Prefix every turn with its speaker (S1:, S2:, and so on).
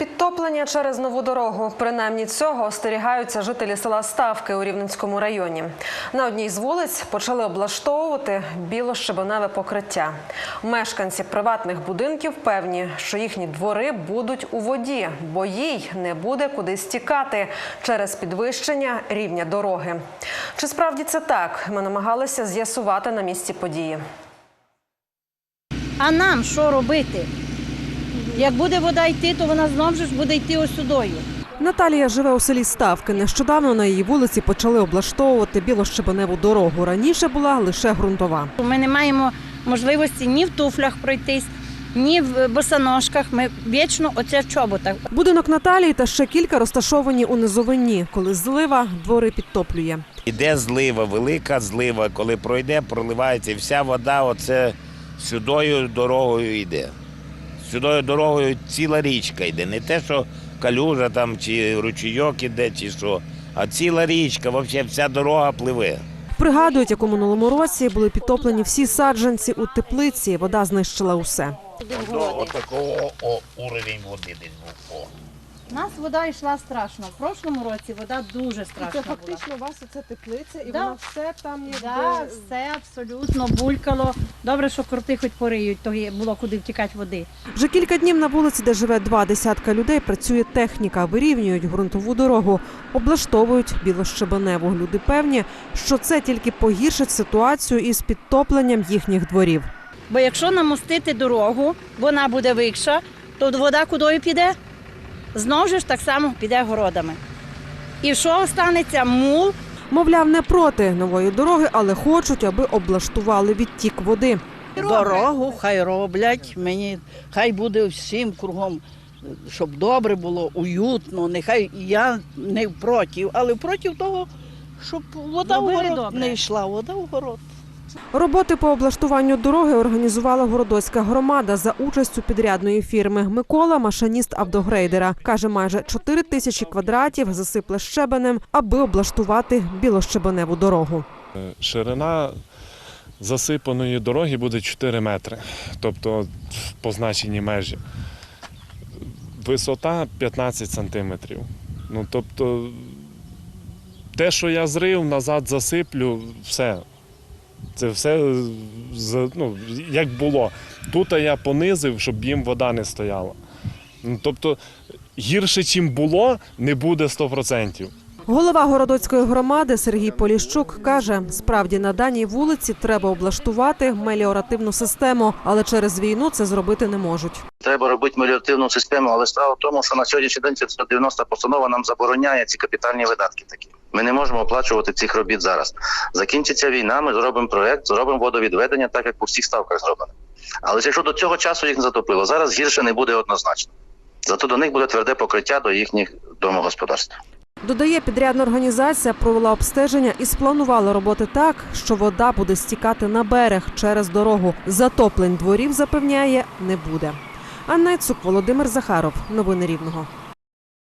S1: Підтоплення через нову дорогу. Принаймні цього остерігаються жителі села Ставки у Рівненському районі. На одній з вулиць почали облаштовувати біло-щебеневе покриття. Мешканці приватних будинків певні, що їхні двори будуть у воді, бо їй не буде куди стікати через підвищення рівня дороги. Чи справді це так? Ми намагалися з'ясувати на місці події.
S2: А нам що робити? Як буде вода йти, то вона знову ж буде йти ось сюдою.
S1: Наталія живе у селі Ставки. Нещодавно на її вулиці почали облаштовувати біло-щебеневу дорогу. Раніше була лише ґрунтова.
S2: Ми не маємо можливості ні в туфлях пройтись, ні в босоножках. Ми вічно оце в чоботах.
S1: Будинок Наталії та ще кілька розташовані у низовині. Коли злива, двори підтоплює.
S3: Іде злива, велика злива, коли пройде, проливається і вся вода оце сюдою дорогою йде. Сюдою дорогою ціла річка йде, не те, що калюжа там, чи ручійок іде, чи що, а ціла річка, взагалі вся дорога пливе.
S1: Пригадують, як у минулому році були підтоплені всі саджанці у теплиці, вода знищила усе.
S3: Ось такого уровень води десь був.
S2: У нас вода йшла страшно. В прошлому році вода дуже страшна була.
S1: Це фактично у вас оце теплиця і
S2: Да.
S1: вона все там якби...
S2: Так, все абсолютно булькало. Добре, що крути хоч пориють, то було куди втікати води.
S1: Вже кілька днів на вулиці, де живе 20 людей, працює техніка, вирівнюють ґрунтову дорогу, облаштовують біло-щебеневу. Люди певні, що це тільки погіршить ситуацію із підтопленням їхніх дворів.
S2: Бо якщо намостити дорогу, вона буде вища, то вода кудою піде? Знову ж так само піде городами. І що останеться? Мул.
S1: Мовляв, не проти нової дороги, але хочуть, аби облаштували відтік води.
S4: Дорогу хай роблять, мені хай буде всім кругом, щоб добре було, уютно, нехай я не проти, але проти того, щоб вода в город
S2: добре.
S4: не йшла, вода в город.
S1: Роботи по облаштуванню дороги організувала Городоцька громада за участю підрядної фірми. Микола – машиніст автогрейдера. Каже, майже 4 тисячі квадратів засипле щебенем, аби облаштувати біло-щебеневу дорогу.
S5: Ширина засипаної дороги буде 4 метри, тобто в позначеній межі. Висота 15 сантиметрів. Ну, тобто, те, що я зрив, назад засиплю, все. Це все, як було. Тут я понизив, щоб їм вода не стояла. Ну, тобто, гірше, чим було, не буде 100%.
S1: Голова Городоцької громади Сергій Поліщук каже, справді на даній вулиці треба облаштувати меліоративну систему, але через війну це зробити не можуть.
S6: Треба робити меліоративну систему, але справа в тому, що на сьогоднішній день 590 постанова нам забороняє ці капітальні видатки такі. Ми не можемо оплачувати цих робіт зараз. Закінчиться війна, ми зробимо проєкт, зробимо водовідведення, так як по всіх ставках зроблено. Але якщо до цього часу їх не затопило, зараз гірше не буде однозначно. Зато до них буде тверде покриття до їхніх домогосподарств.
S1: Додає, підрядна організація провела обстеження і спланувала роботи так, що вода буде стікати на берег через дорогу. Затоплень дворів, запевняє, не буде. Анна Іцук, Володимир Захаров. Новини Рівного.